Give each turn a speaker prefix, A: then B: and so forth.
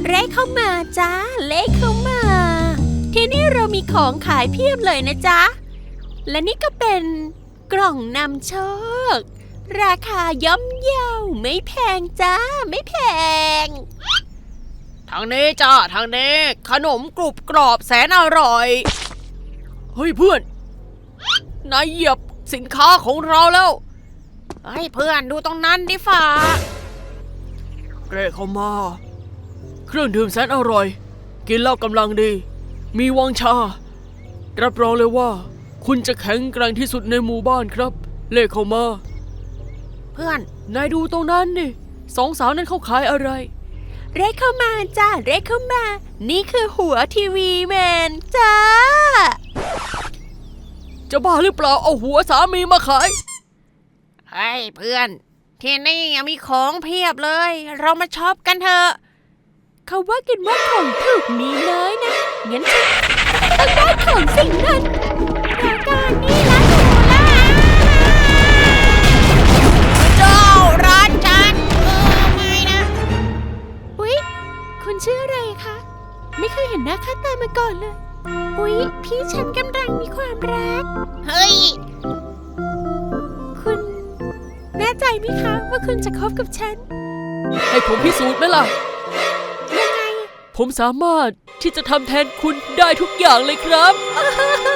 A: เร่เข้ามาจ้าเล่เข้ามาที่นี่เรามีของขายเพียบเลยนะจ๊ะและนี่ก็เป็นกล่องนำโชคราคาย่อมเยาไม่แพงจ้าไม่แพง
B: ทางนี้จ้าทางนี้ขนมกรุบกรอบแสนอร่อยเฮ้ยเพื่อนนายเหยียบสินค้าของเราแล้วเฮ้ยเพื่อนดูตรงนั้นดิฝ่าเร่เข้ามาเครื่องดื่มแสนอร่อยกินแล้วกำลังดีมีวังชารับรองเลยว่าคุณจะแข็งแกร่งที่สุดในหมู่บ้านครับเล่เข้ามาเพื่อนนายดูตรงนั้นนี่สองสาวนั้นเขาขายอะไร
A: เร่เข้ามาจ้าเร่เข้ามานี่คือหัวทีวีแมนจ้า
B: จะบ้าหรือเปล่าเอาหัวสามีมาขายเฮ้ยเพื่อนที่นี่มีของเพียบเลยเรามาช็อปกันเถอะ
A: เขาว่ากันว่าของถูกมีน้อยนะงั้นฉันต้องได้ของสิ่งนั้นเดี๋ยวก่อนนี่ร้านหนูล่ะ
B: เจ้าร้านฉันไม่นะ
A: อุ๊ยคุณชื่ออะไรคะไม่เคยเห็นหน้าค่าตามาก่อนเลยอุ๊ยพี่ฉันกำลังมีความรัก
B: เฮ้ย
A: คุณแน่ใจไหมคะว่าคุณจะคบกับฉัน
B: ให้ผมพิสูจน์ไหมล่ะ
A: ยังไง
B: ผมสามารถที่จะทำแทนคุณได้ทุกอย่างเลยครับ